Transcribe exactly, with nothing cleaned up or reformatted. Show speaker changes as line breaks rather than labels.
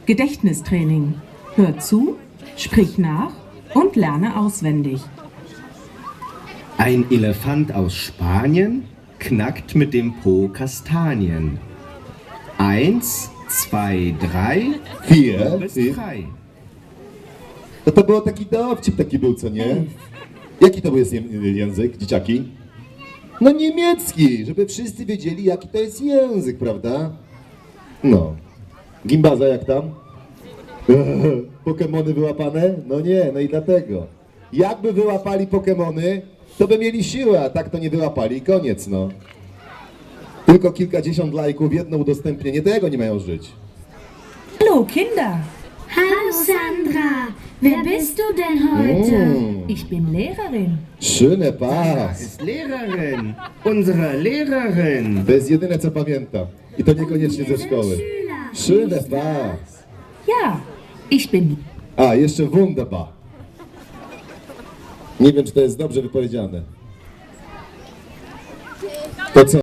Gedächtnistraining. Hör zu, sprich nach und lerne auswendig.
Ein Elefant aus Spanien knackt mit dem Po Kastanien. Eins, zwei, drei,
Vier.
bis
Ty.
drei.
No to był taki dowcip, taki był, co nie? Jaki to jest ję- język, dzieciaki? No niemiecki, żeby wszyscy wiedzieli, jaki to jest język, prawda? No. Gimbaza, jak tam? Pokemony wyłapane? No nie, no i dlatego. Jakby wyłapali Pokemony, to by mieli siłę, a tak to nie wyłapali i koniec, no. Tylko kilkadziesiąt lajków, jedno udostępnienie, tego nie mają żyć.
Hallo Kinder,
Hallo Sandra, wer bist du denn heute?
Mm,
ich bin Lehrerin.
schöne
Das
Pass.
ist Lehrerin, unsere Lehrerin.
To jest jedyne, co pamiętam. I to niekoniecznie ze szkoły. Schöne Pass.
Ja, ich bin
A, jeszcze wunderbar. Nie wiem, czy to jest dobrze wypowiedziane. To co?